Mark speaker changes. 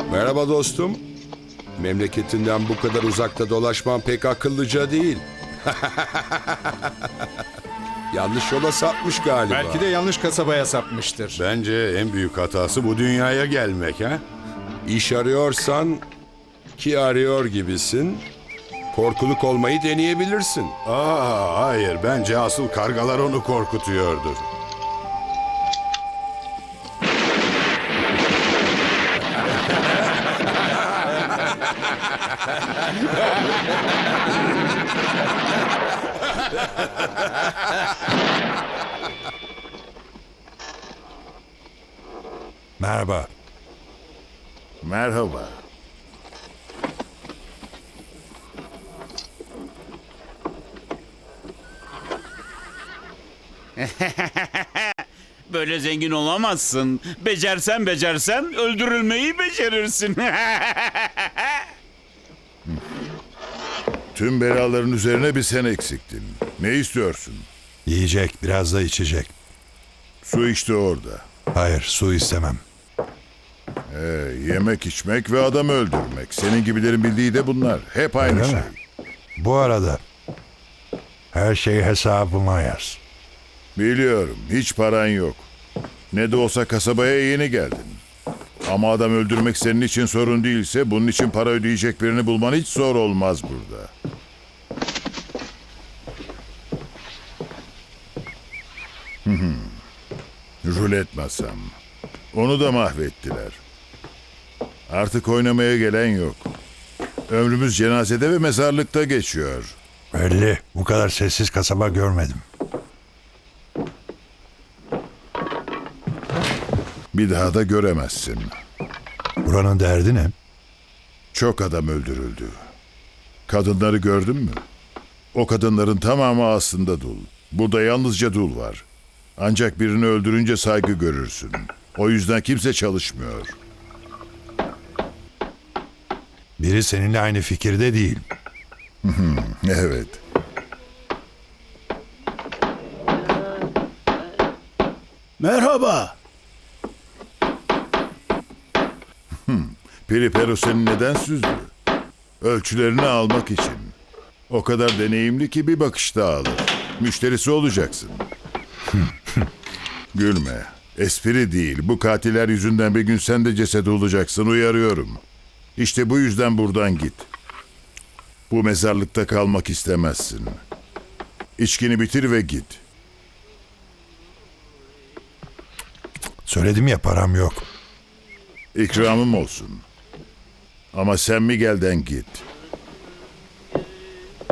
Speaker 1: Merhaba dostum. Memleketinden bu kadar uzakta dolaşman pek akıllıca değil. Yanlış yola sapmış galiba.
Speaker 2: Belki de yanlış kasabaya sapmıştır.
Speaker 3: Bence en büyük hatası bu dünyaya gelmek ha?
Speaker 1: İş arıyorsan ki arıyor gibisin. Korkuluk olmayı deneyebilirsin.
Speaker 3: Hayır, bence asıl kargalar onu korkutuyordur.
Speaker 4: Merhaba.
Speaker 3: Merhaba.
Speaker 5: Böyle zengin olamazsın. Becersen öldürülmeyi becerirsin.
Speaker 6: Tüm belaların üzerine bir sen eksiktin. Ne istiyorsun?
Speaker 4: Yiyecek, biraz da içecek.
Speaker 6: Su işte orada.
Speaker 4: Hayır, su istemem.
Speaker 6: Yemek içmek ve adam öldürmek. Senin gibilerin bildiği de bunlar. Hep aynı
Speaker 4: Öyle
Speaker 6: şey.
Speaker 4: mi? Bu arada her şeyi hesabıma yaz.
Speaker 6: Biliyorum. Hiç paran yok. Ne de olsa kasabaya yeni geldin. Ama adam öldürmek senin için sorun değilse bunun için para ödeyecek birini bulman hiç zor olmaz burada. Rulet masam. Onu da mahvettiler. Artık oynamaya gelen yok. Ömrümüz cenazede ve mezarlıkta geçiyor.
Speaker 4: Belli, bu kadar sessiz kasaba görmedim.
Speaker 6: Bir daha da göremezsin.
Speaker 4: Buranın derdi ne?
Speaker 6: Çok adam öldürüldü. Kadınları gördün mü? O kadınların tamamı aslında dul. Burada yalnızca dul var. Ancak birini öldürünce saygı görürsün. O yüzden kimse çalışmıyor.
Speaker 4: Biri seninle aynı fikirde değil.
Speaker 6: Evet.
Speaker 7: Merhaba.
Speaker 6: Peripero seni neden süzdü? Ölçülerini almak için. O kadar deneyimli ki bir bakışta alır. Müşterisi olacaksın. Gülme. Espri değil. Bu katiller yüzünden bir gün sen de ceset olacaksın. Uyarıyorum. İşte bu yüzden buradan git. Bu mezarlıkta kalmak istemezsin. İçkini bitir ve git.
Speaker 4: Söyledim ya, param yok.
Speaker 6: İkramım olsun. Ama sen Miguel'den git.